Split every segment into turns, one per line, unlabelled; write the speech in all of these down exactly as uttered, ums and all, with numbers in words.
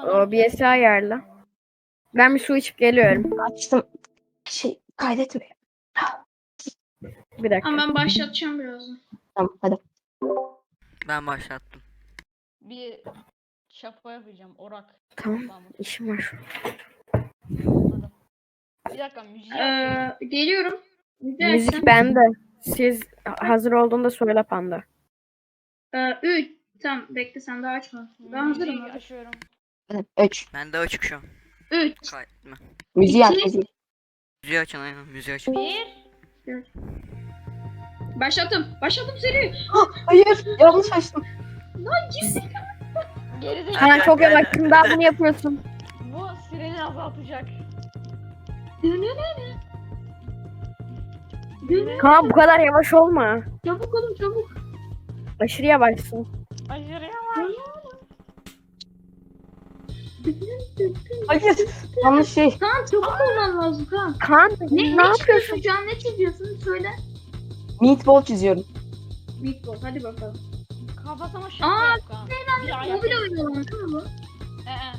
O B S'i ayarla. Ben bir su içip geliyorum.
Açtım. Şey kaydetmiyor.
Bir dakika.
Ama ben başlatacağım birazdan.
Tamam hadi.
Ben başlattım.
Bir şapka yapacağım. Orak.
Tamam.
Tamam.
İşim var.
Anladım. Bir dakika müziği açıyorum.
Ee, geliyorum. Müziği
Müzik
açsam.
bende. Siz hazır olduğunda söyle Panda.
Ee, üç. Tamam bekle sen daha açma. Ben hazırım.
Müziği
Hadi.
açıyorum.
Hadi. Üç.
Ben de açık şu an.
üç.
Kaydetme.
Müziği aç
İki.
müziği.
Müziği açın aynen. Müziği açın.
Bir.
Başlattım. Başlattım seri.
Hayır. Yanlış açtım.
Gerizekalı.
Kaan çok yavaşsın. Daha bunu yapıyorsun.
Bu sireni azaltacak.
Kaan bu kadar yavaş olma.
Çabuk olun çabuk.
Aşırı yavaşsın.
Aşırı yavaş.
Hayır. Yanlış şey.
Kaan çabuk olman lazım Kaan.
Kaan
Ne,
ne,
ne
yapıyorsun?
çiziyorsun şu an ne çiziyorsun söyle.
Meatball çiziyorum.
Meatball hadi bakalım.
Kafasına şapka
Aa,
yap Kaan. Bir ayak.
Mobil oyunu olan değil mi bu?
Ee,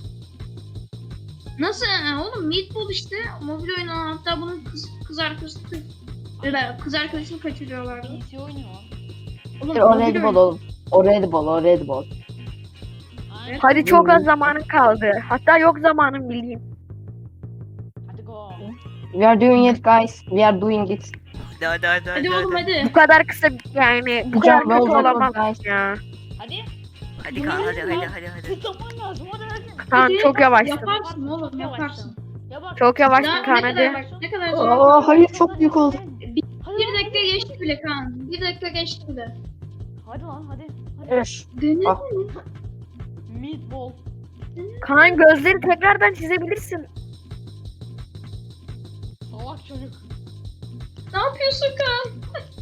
Nasıl yani oğlum Meatball işte mobil oyunu olan hatta bunun kız, kız arkadaşını kız, kız arkadaşını kaçırıyorlardı.
P C oynuyor.
Oğlum,
Hayır, o
mobil
Red Bull
oyunu.
oğlum. O Red Bull, o Red Bull.
Aynen.
Hadi çok az zamanın kaldı. Hatta yok zamanın bildiğin.
Hadi go.
We are doing it guys. We are doing it.
Hadi hadi hadi.
Hadi oğlum hadi.
Bu kadar kısa yani bu kadar
Hocam ne
kötü
olacak
olamaz
guys?
ya.
Hadi.
Hadi Kaan hadi hadi hadi hadi.
Tıklaman lazım. Hadi hadi.
Kaan
Hadi.
çok yavaşsın.
Yaparsın oğlum
Çok
yaparsın.
yavaşsın. Ya bak.
Çok yavaşsın
Ya,
Kaan
ne kadar
hadi.
bak ne kadar zor.
Aa, hayır çok büyük oldu.
Bir dakika geçti bile Kaan. Bir dakika geçti bile.
Hadi lan hadi. Hadi.
Evet.
Denedin
Ah.
mi?
Meatball.
Kaan gözleri tekrardan çizebilirsin.
Salak çocuk.
Ne yapıyorsun Kaan?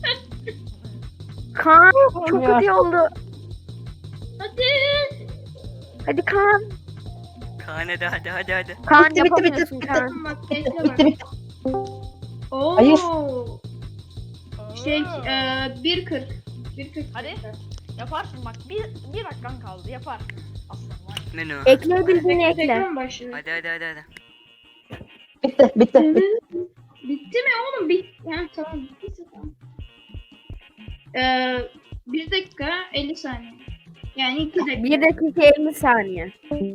Kaan çok
Ya.
kötü oldu.
Hadi.
Hadi Kaan.
Kaan hadi hadi hadi hadi.
Kaan
Bitti, bitti,
yapamıyorsun
bitti,
Kaan.
Tamam bak bekle bak.
Bitti bitti.
Oo.
Hayır.
Şey
Aa.
eee bir kırk. bir kırk.
Hadi. Yaparsın bak. Bir, bir dakikan kaldı. Yaparsın. Aslan var.
Menü.
Ekleyebildiğini ekle.
Tekrar mı başlıyor?
Hadi hadi hadi hadi.
Bitti bitti. bitti.
Bitti mi oğlum? Bit. Yani tamam bittiyse tamam. Eee bir dakika elli saniye. Yani iki dakika.
bir dakika elli saniye.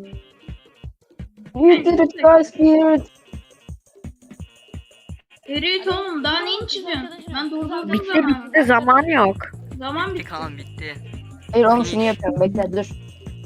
We did it guys. We did it.
Evet oğlum daha neyini çiziyorsun? Ben durdurdum
Bitti
zaman.
bitti zaman yok.
Zaman
Bitti
bitti.
Kaan bitti.
Hayır oğlum şunu yapıyorum. Bekle dur.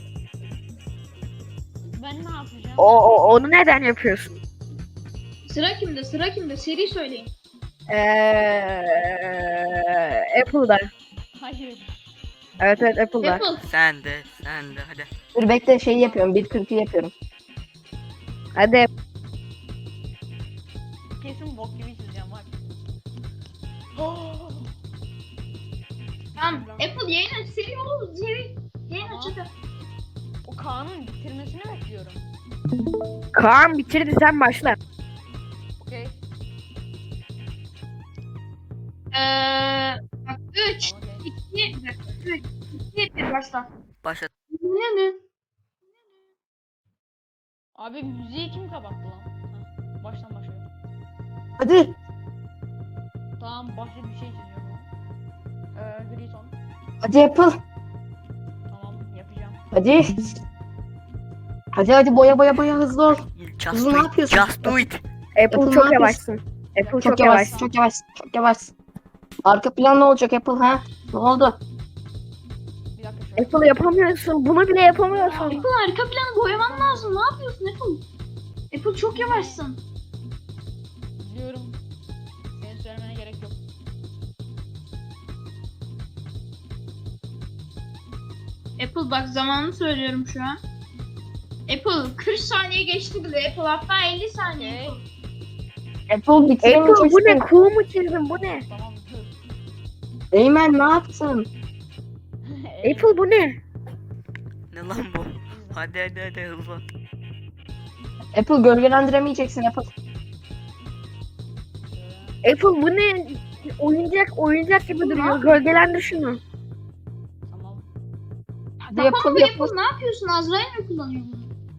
Ben ne yapacağım?
O, o onu neden yapıyorsun?
Sıra kimde? Sıra kimde? Seri söyleyin.
Eee Apple'da.
Hayır.
Evet evet Apple'da.
Apple.
Sen de sen de hadi.
Dur bekle şeyi yapıyorum. bir kırkı yapıyorum.
Hadi
Kesin bok gibi çizeceğim bak.
Tamam. Apple yayın aç. Seri oğlum. Seri. Yayın aç hadi.
O Kaan'ın bitirmesini bekliyorum.
Kaan bitirdi sen başla.
Okey.
Eee bak üç,
Okey.
iki, bir dakika. üç, iki, bir başla.
Başlat.
Ne ne?
Abi müziği kim kapattı lan? Heh, baştan başlıyorum.
Hadi.
Tamam başka bir şey çiziyorum. Ee, gri ton.
Hadi Apple.
Tamam yapacağım.
Hadi. Hadi hadi boya boya boya hızlı ol.
Just
Kızım,
do
ne
it.
yapıyorsun?
Just do it.
Apple
Apple
çok
ne yapıyorsun?
yavaşsın. Apple çok,
Çok
yavaş.
yavaş, çok yavaş, çok yavaş. Arka plan ne olacak Apple ha? Ne oldu?
Bir dakika şöyle.
Apple yapamıyorsun. Bunu bile yapamıyorsun.
Apple arka planı boyaman lazım. Ne yapıyorsun Apple? Apple çok yavaşsın.
Biliyorum. Senin söylemene gerek yok.
Apple bak zamanını söylüyorum şu an. Apple kırk saniye geçti bile. Apple hatta elli saniye.
Okey.
Apple bitiremeyeceksin.
Apple bu ne? Kuğu mu çizdin? Bu ne?
Tamam dur.
Eymen ne yaptın?
Apple bu ne?
Ne lan bu? Hadi hadi hadi hızlı.
Apple gölgelendiremeyeceksin Apple.
Apple bu ne? Oyuncak oyuncak gibi duruyor. Gölgelendir şunu.
Tamam.
Hadi
Tamam
Apple
mı
Apple.
Apple ne yapıyorsun? Azrail mi kullanıyor bunu?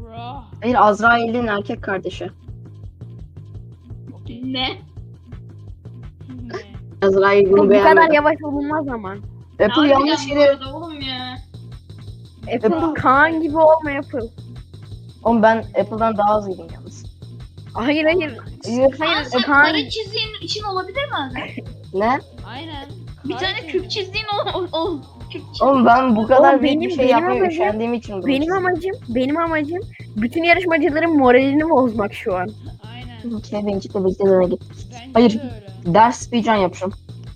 Bro.
Hayır, Azrail'in erkek kardeşi.
Okey.
Ne?
Ne?
Azrail
Bu
bunu
bu kadar
beğenmedi.
yavaş olunmaz ama.
Apple
Harbiden
yanlış
bu
yere...
arada oğlum ya.
Apple Kaan gibi olma Apple.
Oğlum ben Apple'dan daha hızlıyım yalnız.
Hayır hayır.
Hayır.
Kaan sen
Kaan-
kare çizdiğin için olabilir mi abi?
Ne?
Aynen.
Bir tane
Harika.
küp çizdiğin ol, ol, ol. Küp çiz.
Oğlum ben bu kadar
Oğlum
büyük bir
benim-
şey
benim
yapmaya
amacım-
üşendiğim için bunu
Benim
çizdim.
amacım, benim amacım bütün yarışmacıların moralini bozmak şu an.
Aynen.
Kevinci de beklediğine git.
Bence
Hayır.
de öyle.
Ders speedrun yapacağım.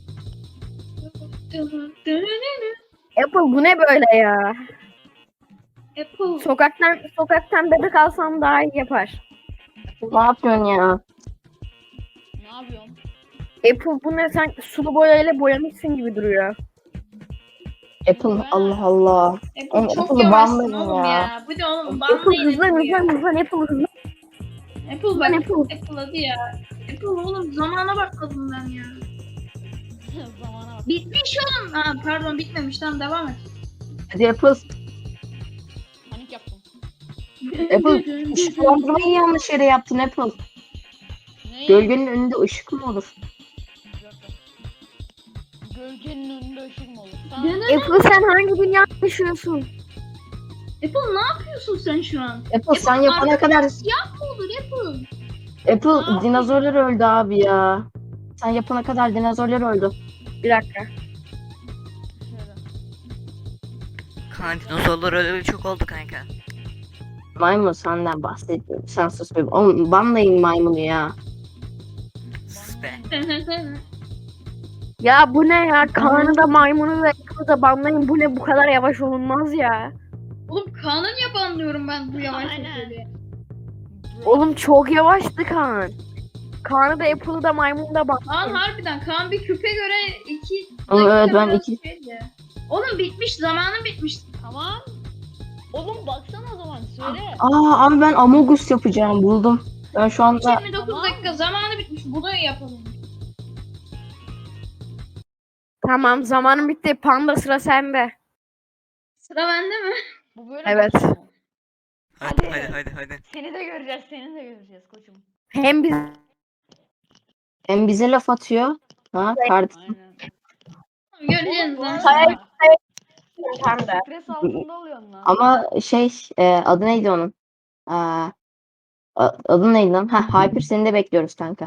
Apple bu ne böyle ya?
Apple.
Sokaktan sokaktan bebek alsam daha iyi yapar.
Ne yapıyorsun ya?
Ne yapıyorsun?
Apple bu ne, sen sulu boyayla boyamışsın gibi duruyor.
Apple Allah Allah.
Apple
Oğlum,
çok
Apple'ı
yavaşsın
banlayın
oğlum
ya.
ya. Bu da oğlum
Apple
banlayın
hızlan
Apple ya.
hızlan hızlan Apple hızlan.
Apple bak
Apple.
Apple hadi ya. Apple oğlum zamana bakmadım ben ya.
Zamana bak.
Bitmiş oğlum. Ha pardon bitmemiş tamam devam et.
Hadi Apple.
Panik yaptım.
Apple ışıklandırmayı yanlış yere yaptın Apple.
Neyi?
Gölgenin önünde ışık mı olur?
Bir dakika. Gölgenin önünde ışık mı olur? Tamam.
Ne, ne, ne?
Apple sen hangi dünyada yaşıyorsun?
Apple ne yapıyorsun sen şu an?
Apple sen yapana
arkada
kadar
Siyah mı olur Apple?
Apple dinozorlar öldü abi ya. Sen yapana kadar dinozorlar öldü.
Bir dakika.
Şöyle.
Kaan dinozorlar öyle çok oldu kanka.
Maymun senden bahsediyorum. Sen sus be. Oğlum banlayın maymunu ya.
Sus be.
Ya bu ne ya? Kaan'ı da maymunu da Apple'ı da banlayın. Bu ne, bu kadar yavaş olunmaz ya.
Oğlum Kaan'ı niye banlıyorum ben bu yavaş
Aynen.
sesleri?
Bro.
Oğlum çok yavaştı Kaan. Kaan'ı da Apple'ı da maymunu da
Kaan
banlayın.
harbiden Kaan bir küpe göre iki
Oğlum evet, ben
biraz
iki-
şeydi. Oğlum bitmiş zamanı bitmiş.
Tamam. Oğlum baksana o zaman söyle.
Aa abi ben Amogus yapacağım buldum. Ben şu anda
yirmi dokuz
Tamam.
dakika zamanı bitmiş. Bunu yapalım.
Tamam, zamanım bitti. Panda sıra sende.
Sıra bende mi?
Bu böyle
Evet.
başlıyor mu?
Hadi
Hadi.
hadi hadi hadi.
Seni de göreceğiz, seni de göreceğiz koçum.
Hem biz
hem bize laf atıyor. Ha kardeşim.
Aynen.
Göreceğiz
Oğlum,
lan.
bu arada
Panda.
Stres altında oluyorsun lan.
Ama şey e, adı neydi onun? Aa, a- adı neydi lan? Ha Hyper seni de bekliyoruz kanka.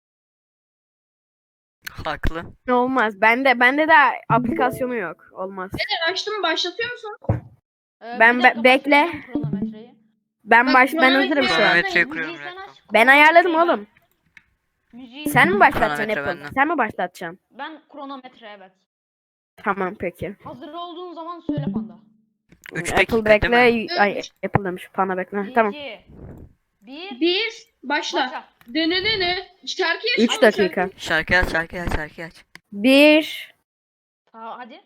Haklı.
Ne olmaz. Bende bende de aplikasyonu yok. Olmaz.
Açtım başlatıyor musun?
Ee,
ben
bir
be-
dakika,
bekle.
başlatıyorum kronometreyi.
Ben
Bak,
baş ben
kronometre
hazırım şu an.
Kronometreyi
Müziği
kuruyorum
sen
bir
aç,
Ben ayarladım
kronometreyi
oğlum.
ben- Müziği
Sen mi başlatacaksın
Kronometre
Apple?
bende.
Sen mi başlatacaksın?
Ben kronometre evet.
Tamam peki.
Hazır olduğun zaman söyle panda.
üç
Apple
dakika
bekle.
değil mi?
Ay Apple demiş. Panda bekle. Tamam.
İki. Bir.
Bir. Başla.
Başla.
Dene dene. Şarkıyı aç.
üç
Hadi
dakika.
şarkı.
Şarkı aç şarkı aç şarkı aç.
bir
Aa, hadi.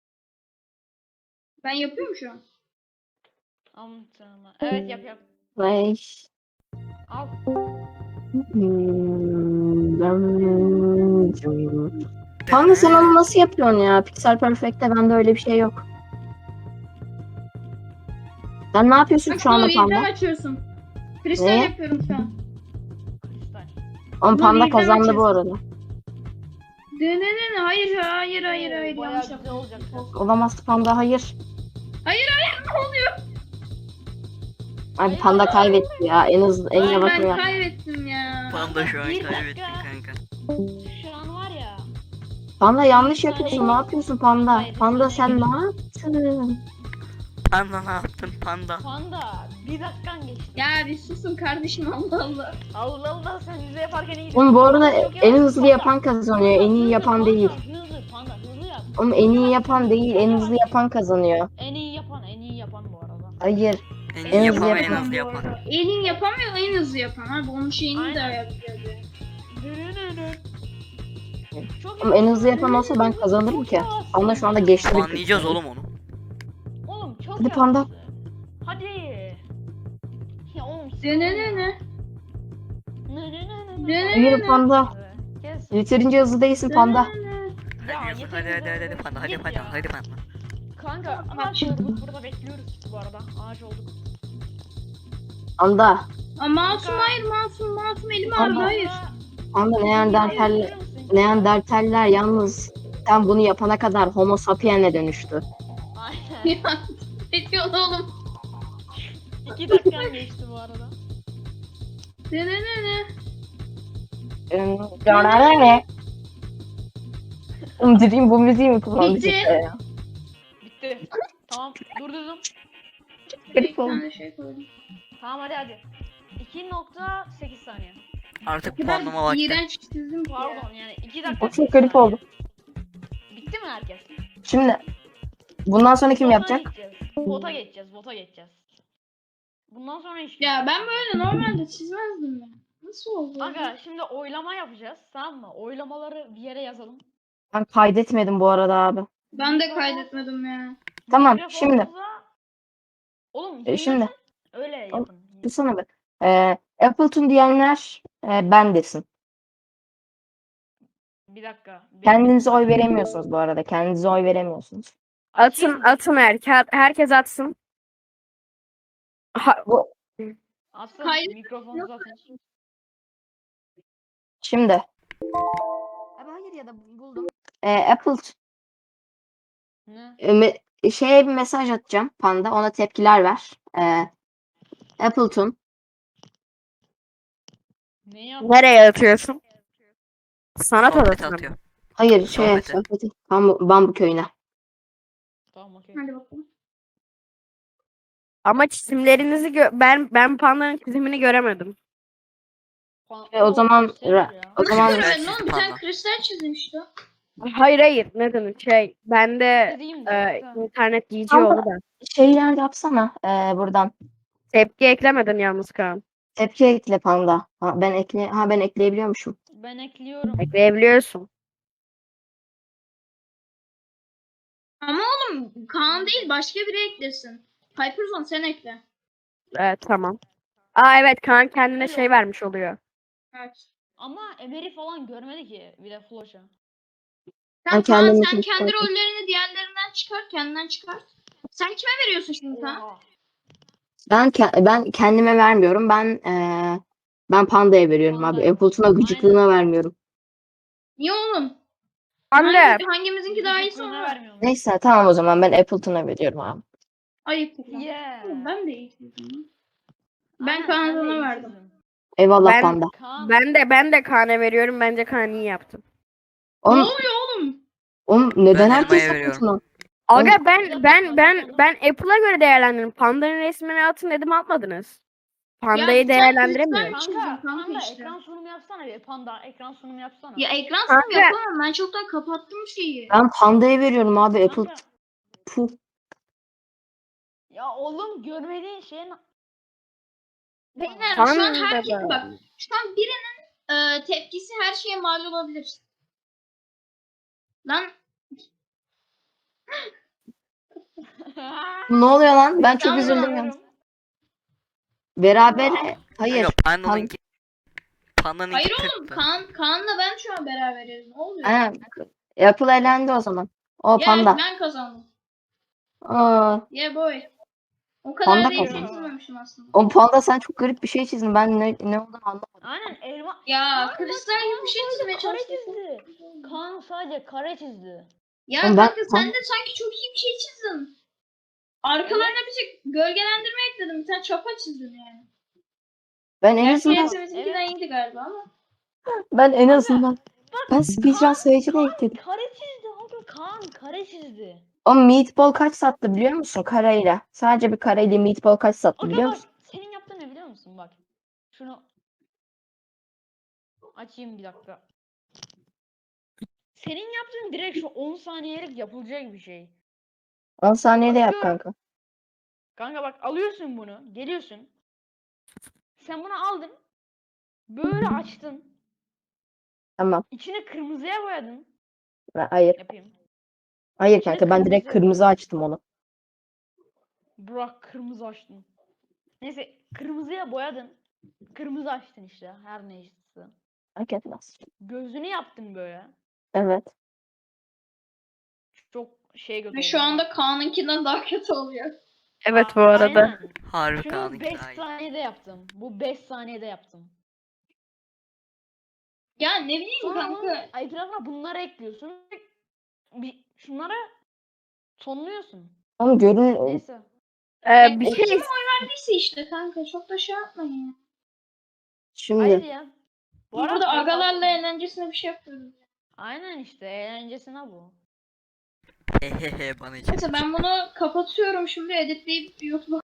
Ben yapıyorum şu an.
Aman tanrım. Evet yap yap.
Beş.
Al.
Hmm, ben- Panda sen onu nasıl yapıyorsun ya? Pixel Perfect'te bende öyle bir şey yok. Sen ne yapıyorsun
Bak
şu anda
bunu birden
Panda?
açıyorsun. Kristal
Ne?
yapıyorum şu an.
Kristal.
Oğlum
Bunu
Panda
birden
kazandı bu
açıyorsun.
arada.
Dene dene. Hayır hayır hayır hayır.
Oo, bayağı
Yanlış
güzel
yaptım.
olacak.
Olamaz Panda hayır.
Hayır hayır ne oluyor?
Abi Panda kaybetti ya. En hızlı en
Ay,
yavaşını
ben
yap.
kaybettim ya.
Panda şu an
Bir
kaybettin
dakika.
kanka.
Şu an var ya.
Panda yanlış yapıyorsun. Ne yapıyorsun Panda?
Hayır, bir
Panda
saniye.
sen ne yaptın?
Panda ne yaptın panda?
Panda bir dakikan geçti.
Ya bir susun kardeşim Allah Allah.
Allah Allah sen bize yaparken iyi.
Oğlum bu arada
Çok
en
yavaş.
hızlı
Panda.
yapan kazanıyor. En iyi
Hızlı,
yapan
panda,
değil.
Hızlı panda hızlı yap.
Oğlum en iyi yapan değil. En hızlı yapan kazanıyor.
En iyi yapan en iyi yapan bu arada.
Hayır.
En
En
iyi
hızlı
yapan ve en
yapan
hızlı
bu
yapan.
arada.
En iyi yapamıyor en hızlı yapan. Abi onun şeyini de
Aynen.
ayarlayacağız.
Çok
Oğlum en hızlı yapan olsa ben kazanırım ki. Panda şu anda geçti. bir
Anlayacağız oğlum onu.
Oğlum çok
Hadi panda.
yavaşsın. Hadi. Ya oğlum.
Dene dene.
Ne ne ne ne.
Dene
Hayır
dene.
Panda.
Kes.
Yeterince hızlı değilsin Panda.
Ya,
Hadi hızlı, hadi
yeter
hadi hadi
yeter.
hadi panda hadi
Git
panda
ya.
hadi panda.
Kanka ama çocuk burada bekliyoruz bu arada. Ağaç olduk.
Anda.
Aa, masum hayır masum masum elim
Ama-
ağrıdı hayır.
Anda Neandertaller, Neandertaller yalnız sen bunu yapana kadar Homo sapiens'e dönüştü.
Aynen.
Ya ne diyorsun oğlum?
İki dakikan geçti bu arada.
Ne ne ne ne?
Ne? Umdireyim bu müziği mi kullandı
Bitti.
cidden ya?
Bitti. Tamam durdurdum.
Bir
Garip oldu.
tane şey koydum.
Tamam hadi hadi. iki nokta sekiz saniye.
Artık
O kadar
puanlama vakti.
iğrenç çizdim ki ya.
Pardon yani iki dakika.
O çok
sekiz
garip
saniye.
oldu.
Bitti mi herkes?
Şimdi bundan sonra kim
Vota
yapacak?
geçeceğiz. Vota geçeceğiz. Vota geçeceğiz. Bundan sonra hiç.
Ya ben böyle normalde çizmezdim ya. Nasıl oldu?
Aga şimdi oylama yapacağız tamam mı? Oylamaları bir yere yazalım.
Ben kaydetmedim bu arada abi.
Ben de kaydetmedim ya.
Tamam şimdi.
Mikrofonumuza- Oğlum
E, şimdi.
dinliyorsan öyle yapın.
Dursana be. Ee, Appleton diyenler e, ben desin.
Bir dakika. benim-
Kendinize oy veremiyorsunuz bu arada. Kendinize oy veremiyorsunuz.
Açayım
Atın
mı?
atın herkes, herkes atsın. Ha, bu,
Atsın.
Hayır.
Mikrofonunuzu atın.
Şimdi. Abi hayır ya da buldum. Ee, Apple
Ne?
e, me- şeye bir mesaj atacağım Panda. Ona tepkiler ver. Ee, Appleton.
Neyi attın?
nereye atıyorsun? Sanat
Sohbet
odasına mı?
atıyor.
Hayır şey
Sohbeti.
sohbeti. Bambu, Bambu köyüne.
Tamam okey.
Hadi bakalım.
Ama çizimlerinizi gö- ben ben pandanın çizimini göremedim.
Pan-
E, o zaman
gösterir
ra-
ya.
o zaman
Kristal
Görmedim oğlum bir tane
panda.
kristal çizdim işte.
Hayır hayır ne demek şey bende
Dediğim de.
e,
Tamam.
internet giyici
Panda-
oldu da.
şeyler yapsana ee, buradan.
Tepki eklemedin yalnız Kaan.
Tepki ekle Panda. Ha, ben ekle ha ben ekleyebiliyormuşum.
Ben ekliyorum.
Ekleyebiliyorsun.
Ama oğlum Kaan değil başka biri eklesin. Hyperzone sen ekle.
Evet tamam. Aa evet Kaan kendine
Öyle
şey
oldu.
vermiş oluyor.
Evet.
Ama Emer'i falan görmedi ki bir de Floş'a.
Ben
Sen Kaan
kendimi
sen
tepki
kendi
koydum.
rollerini diğerlerinden çıkar kendinden çıkar. Sen kime veriyorsun şimdi Kaan?
Oha.
Ben ke- ben kendime vermiyorum. Ben ee, ben Panda'ya veriyorum abi.
Panda'ya.
Appleton'a gıcıklığına vermiyorum.
Niye oğlum?
Anne
Hangi, hangimizinki daha iyisi
Gıcıklığına
ona?
vermiyorum.
Neyse tamam o zaman ben Appleton'a veriyorum abi.
Ayıp.
Yeah.
Oğlum Ben de iyi çizdim. Ben
Aynen, sen de
Kaan'a
iyi
verdim.
çizdin.
Eyvallah
Ben-
Panda.
Kaan.
ben de ben de Kaan'a veriyorum. Bence Kaan iyi yaptı.
Ne
Oğlum,
oluyor oğlum?
oğlum neden
Ben
herkes
elmaya veriyorum.
Appleton'a?
Aga ben ben ben ben Apple'a göre değerlendirdim. Panda'nın resmini atın dedim atmadınız. Panda'yı
Ya sen
değerlendiremiyorum.
kristal
Kanka,
çizdim kanka
panda
işte.
ekran sunumu yapsana bir. Panda ekran sunumu yapsana.
Ya ekran
Kanka.
sunumu yapamam. Ben çoktan kapattım şeyi.
Ben Panda'ya veriyorum abi. Apple.
Kanka,
Puh.
ya oğlum görmediğin şey na-
Beyler
Tamam
şu an herkes
baba.
bak. Şu an birinin e, tepkisi her şeye mal olabilir. Lan
Ne oluyor lan? Ben çok
Tamam.
üzüldüm ya. Beraber hayır.
Kanka pandanınki. Pandanınki
hayır
tıktı.
oğlum Kaan, Kaan'la ben şu an beraberiz. Ne oluyor?
Ha, Apple elendi o zaman. O
Ya
Panda.
ben kazandım.
Aa,
Yeah boy. O kadar
Panda
değil
kazandı.
çizmemişim aslında.
o Panda sen çok garip bir şey çizdin. Ben ne, ne olduğunu anlamadım.
Aynen elma.
Ya
Kaan
kristal
bak,
gibi
Kaan
bir şey
sadece
çizmeye
kare
çalıştım.
çizdi. Kaan sadece kare çizdi.
Ya
Oğlum ben-
kanka sen de sanki çok iyi bir şey çizdin. Arkalarına bir şey gölgelendirme ekledim. Bir tane çapa çizdin yani.
Ben en
Gerçi
azından
hepimizinkinden
Evet.
iyiydi galiba ama.
ben en azından ben speedrun
Kaan-
sayıcıda
Kaan
ekledim.
Kare çizdi abi. Kaan kare çizdi.
O meatball kaç sattı biliyor musun? Kareyle. Sadece bir kareyle meatball kaç sattı
Aga
biliyor
bak
musun?
senin yaptığın ne biliyor musun bak. Şunu açayım bir dakika. Senin yaptığın direkt şu on saniyelik yapılacak bir şey.
on saniyede yap
Bakıyorum.
kanka.
Kanka bak alıyorsun bunu, geliyorsun. Sen bunu aldın. Böyle açtın.
Tamam.
İçini kırmızıya boyadın.
Ben- Hayır.
Yapayım.
Hayır
İçine
kanka ben direkt
kırmızı.
kırmızı açtım onu.
Burak kırmızı açtın. Neyse kırmızıya boyadın. Kırmızı açtın işte her neyse.
Fark etmez.
Gözünü yaptın böyle.
Evet.
Çok şey kötü
Ve
oldu
şu
ama.
anda Kaan'ınkinden daha kötü oluyor.
Evet bu
Aa,
arada.
aynen.
Harbi
Şunu
Kaan'ınki
beş
daha iyi.
saniyede yaptım. Bu beş saniyede yaptım.
Ya ne bileyim
Sonra
kanka.
bunun etrafına bunları ekliyorsun. Bir, şunları sonluyorsun.
Oğlum görün
Neyse.
Ee, bir
O
şey
kim oy verdiyse işte kanka çok da şey yapmayın ya.
şimdi.
Hayır ya. Bu arada
Burada
kayıt
agalarla
aldın mı?
eğlencesine bir şey yapıyoruz.
Aynen işte eğlencesine bu.
Hehehe bana hiç.
Neyse ben bunu kapatıyorum şimdi editleyip YouTube'a